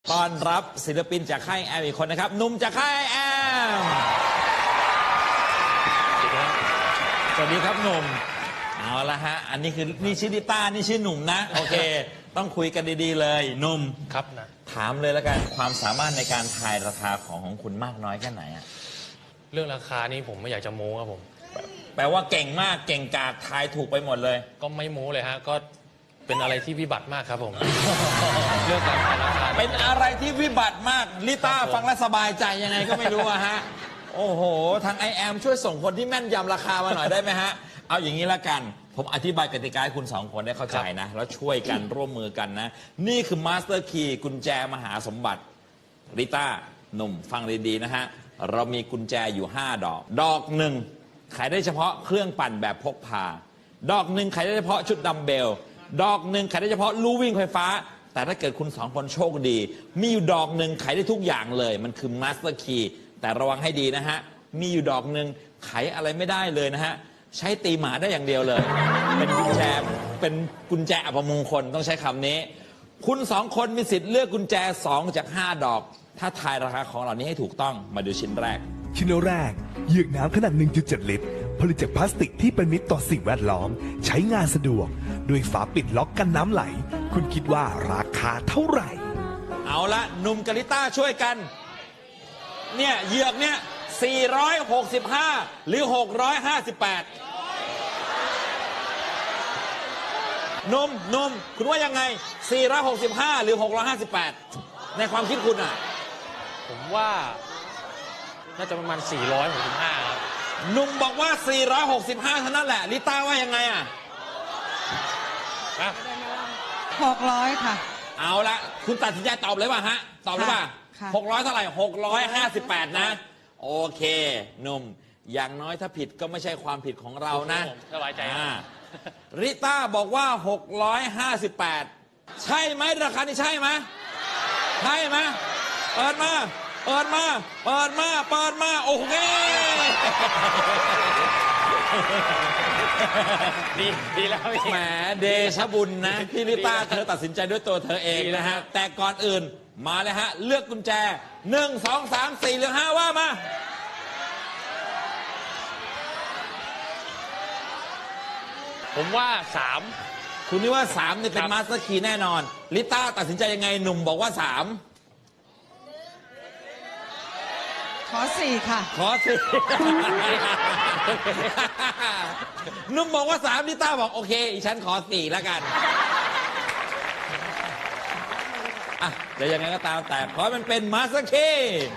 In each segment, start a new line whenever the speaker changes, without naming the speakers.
ต้อนรับศิลปินจากค่ายแอมอีกคนนะครับหนุ่มจากค่ายแอมสวัสดีครับหนุ่มเอาละฮะอันนี้คือนี่ชื่อดิต้านี่ชื่อหนุ่มนะโอเคต้องคุยกันดีๆเลยหนุ่ม
ครับนะ
ถามเลยแล้วกันความสามารถในการทายราคาของคุณมากน้อยแค่ไหนอะ
เรื่องราคานี่ผมไม่อยากจะโม้ครับผม
แปลว่าเก่งมากเก่งกาจทายถูกไปหมดเลย
ก็ไม่โม้เลยฮะก็เป็นอะไรที่วิบัติมากครับผม เรื่องการทายราคา
เป็นอะไรที่วิบัติมากลิต้าฟังแล้วสบายใจยังไงก็ไม่รู้อะฮะโอ้โหทางไอแอมช่วยส่งคนที่แม่นยำราคามาหน่อยได้ไหมฮะเอาอย่างนี้ละกันผมอธิบายกติกาให้คุณสองคนได้เข้าใจนะแล้วช่วยกันร่วมมือกันนะนี่คือมาสเตอร์คีย์กุญแจมหาสมบัติลิต้าหนุ่มฟังดีๆนะฮะเรามีกุญแจอยู่5 ดอกดอกหนึ่งขายได้เฉพาะเครื่องปั่นแบบพกพาดอกหนึ่งขายได้เฉพาะชุดดัมเบลดอกหนึ่งขายได้เฉพาะลู่วิ่งไฟฟ้าแต่ถ้าเกิดคุณสองคนโชคดีมีอยู่ดอกหนึ่งขายได้ทุกอย่างเลยมันคือมาสเตอร์คีย์แต่ระวังให้ดีนะฮะมีอยู่ดอกหนึ่งขายอะไรไม่ได้เลยนะฮะใช้ตีหมาได้อย่างเดียวเลยเป็นกุญแจอัปมงคลต้องใช้คำนี้คุณสองคนมีสิทธิ์เลือกกุญแจ2 จาก 5 ดอกถ้าทายราคาของเหล่านี้ให้ถูกต้องมาดูชิ้นแรก
ชิ้นแรกเหยือกน้ำขนาด 1.7 ลิตรผลิตจากพลาสติกที่เป็นมิตรต่อสิ่งแวดล้อมใช้งานสะดวกด้วยฝาปิดล็อกกันน้ำไหลคุณคิดว่าราคาเท่าไหร่
เอาละหนุ่มกาลิต้าช่วยกันเนี่ยเหยือกเนี่ย465หรือ658นุ่มคุณว่ายังไง465หรือ658ในความคิดคุณอ่ะ
ผมว่าน่าจะประมาณ465ครับ
หนุ่มบอกว่า465เท่านั้นแหละลิต้าว่ายังไงอ่ะ
600ค่ะ
เอาละคุณตัดสินใจตอบเลยป่ะฮะตอบเลยป่ะ600เท่าไหร่658นะโอเคหนุ่มอย่างน้อยถ้าผิดก็ไม่ใช่ความผิดของเรานะ
สบายใจ
ริต้าบอกว่า658ใช่ไหมราคานี้ใช่ไหมใช่ไหมเปิดมาโอเค
ดีแล้ว
แหมเดชบุญนะพี่ริต้าเธอตัดสินใจด้วยตัวเธอเองนะฮะแต่ก่อนอื่นมาเลยฮะเลือกกุญแจ1 2 3 4หรือ5ว่ามา
ผมว่า3
คุณนี่ว่า3นี่เป็นมาสเตอร์คีย์แน่นอนลิต้าตัดสินใจยังไงหนุ่มบอกว่า3
ขอ4ค่ะ
ขอ4หนุ่มบอกว่า3ลิต้าบอกโอเคอีฉันขอ4แล้วกันอ่ะจะยังไงก็ตามแต่เพราะมันเป็นมาสเตอร์คีย์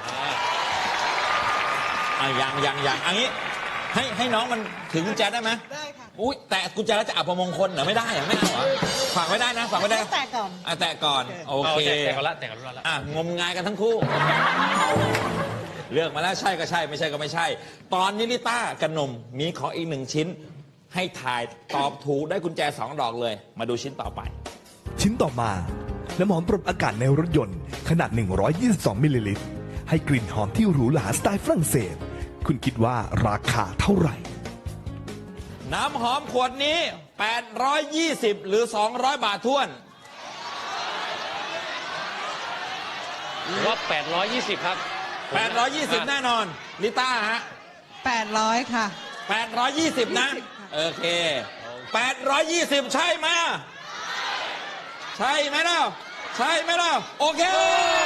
อย่างอันนี้ให้น้องมันถือกุญแจได้ไหม
ได้ค่ะ
อุ้ยแต่กุญแจแล้วจะอับมงคลเหรอไม่ได้เหรอไม่เอาเหรอฝากไว้ได้นะฝากไว้ได้
แตะก่อน
แตะก่อนโอเค
แต่ก่อนละ
งมงายกันทั้งคู่เลือกมาแล้วใช่ก็ใช่ไม่ใช่ก็ไม่ใช่ตอนนี้ลิต้ากับหนุ่มมีขออีก1 ชิ้นให้ถ่ายตอบถูกได้กุญแจ2 ดอกเลยมาดูชิ้นต่อไป
ชิ้นต่อมาน้ำหอมปรับอากาศในรถยนต์ขนาด122มิลลิลิตรให้กลิ่นหอมที่หรูหราสไตล์ฝรั่งเศสคุณคิดว่าราคาเท่าไหร่
น้ำหอมขวดนี้820หรือ200 บาทท้วน
ว่า820ครับ
820แน่นอนลิต้าฮะ
800ค่ะ
820นะโอเค820ใช่ไหมใช่ไหมล่ะโอเค